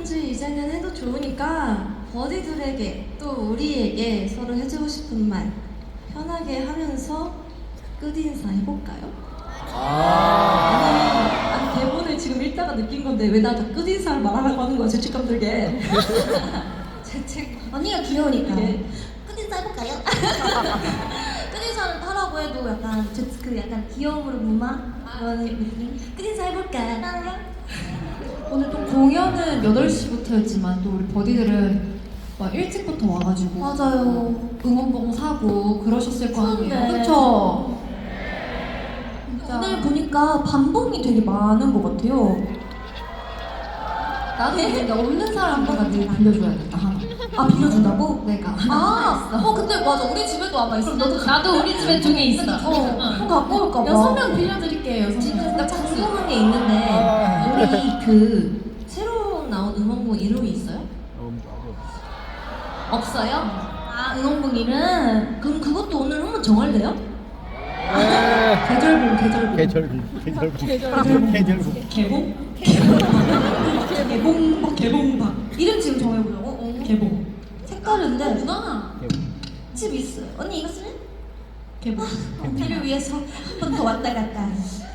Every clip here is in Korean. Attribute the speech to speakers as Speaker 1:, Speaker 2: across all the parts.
Speaker 1: 뭐든지 이제는 해도 좋으니까 버디들에게 또 우리에게 서로 해주고 싶은 말 편하게 하면서 끝인사 해볼까요? 아니 대본을 지금 읽다가 느낀 건데 왜 나한테 끝인사를 말하라고 하는 거야, 죄책감 들게.
Speaker 2: 언니가 귀여우니까.
Speaker 1: 네.
Speaker 2: 끝인사 해볼까요? 끝인사를 하라고 해도 약간 그 약간 귀여움으로 무마 그런 느낌. 끝인사 해볼까?
Speaker 3: 오늘 또 공연은 8시부터였지만 또 우리 버디들은 막 일찍부터 와가지고
Speaker 2: 맞아요.
Speaker 3: 응원봉 사고 그러셨을 거 아니에요.
Speaker 2: 추운데.
Speaker 3: 그쵸?
Speaker 2: 오늘 보니까 반봉이 되게 많은 것 같아요.
Speaker 3: 나도 근데 없는 사람들한테 빌려줘야겠다 하나.
Speaker 2: 아 빌려준다고?
Speaker 3: 내가
Speaker 2: 근데 맞아 우리 집에도 아마 있어.
Speaker 3: 나도 우리 집에 2개 있어.
Speaker 2: 그럼 갖고 올까 봐.
Speaker 3: 6명 빌려드릴게요. 6명.
Speaker 1: 지금 나 궁금한 게 있는데 우리 그 새로 나온 음원곡 이름이 있어요? 없어요?
Speaker 2: 아 응원봉 이름.
Speaker 1: 그럼 그것도 오늘 한번 정할래요?
Speaker 3: 계절봉.
Speaker 1: 개봉? 개봉박
Speaker 2: 이름 지금 정해보려고?
Speaker 1: 개봉
Speaker 2: 색다른데.
Speaker 1: 누나
Speaker 2: 집 있어요. 언니 이거 쓸래?
Speaker 1: 개봉
Speaker 2: 언니를 위해서 한 번 더 왔다 갔다.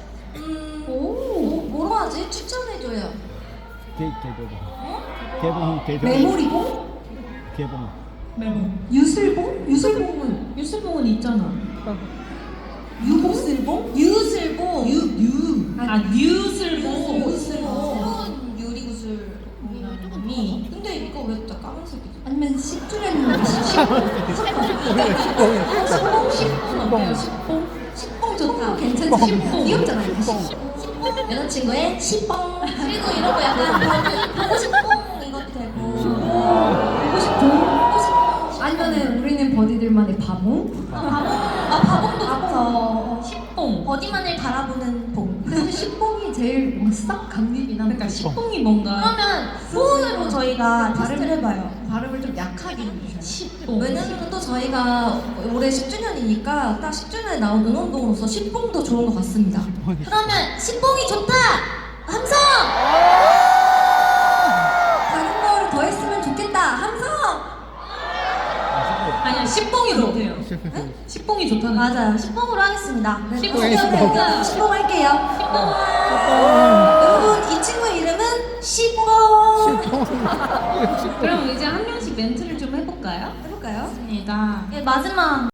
Speaker 2: 뭐로 하지? 추천해줘요. 메모리봉?
Speaker 1: 개봉
Speaker 2: 유슬봉? 유슬봉은
Speaker 1: 유슬봉은 있잖아.
Speaker 2: 유보슬봉? 유슬봉.
Speaker 1: 뉴슬봉.
Speaker 2: 유슬봉. 유리구슬봉이. 근데 이거 왜 다 까만색이지?
Speaker 3: 아니면 10주년
Speaker 2: 10봉 좋다. 괜찮지? 10봉. 귀엽잖아 이거. 10봉. 여자친구의 10봉. 그리고 이런 거 약간 보고 싶봉 이것도 되고. 보고 싶봉.
Speaker 3: 아니면은 우리는 버디들만의 바봉?
Speaker 2: 바봉도 좋다.
Speaker 1: 10봉.
Speaker 2: 버디만을 바라보는 봉.
Speaker 3: 근데 10봉이 제일 뭔가 싹 감기긴 하니까
Speaker 1: 그러니까 10봉이 뭔가
Speaker 2: 그러면 소원으로 저희가 테스트를 해봐요.
Speaker 3: 발음을 좀 약하게 해주셔야
Speaker 1: 10봉.
Speaker 2: 왜냐면 또 저희가 올해 10주년이니까 딱 10주년에 나온 응원봉으로서 10봉도 좋은 것 같습니다. 그러면 10봉이 좋다! 함성! 다른 거를 더 했으면 좋겠다! 함성!
Speaker 1: 아니야 10봉이 좋대요. 10봉이 좋다는 거.
Speaker 2: 맞아요. 10봉으로 하겠습니다. 네,
Speaker 1: 10봉.
Speaker 2: 10봉 할게요.
Speaker 1: 10봉.
Speaker 2: 여러분 이 친구의 이름은 10봉!
Speaker 1: 그럼 이제 한 명씩 멘트를 좀 해볼까요?
Speaker 2: 해볼까요?
Speaker 1: 좋습니다.
Speaker 2: 네, 마지막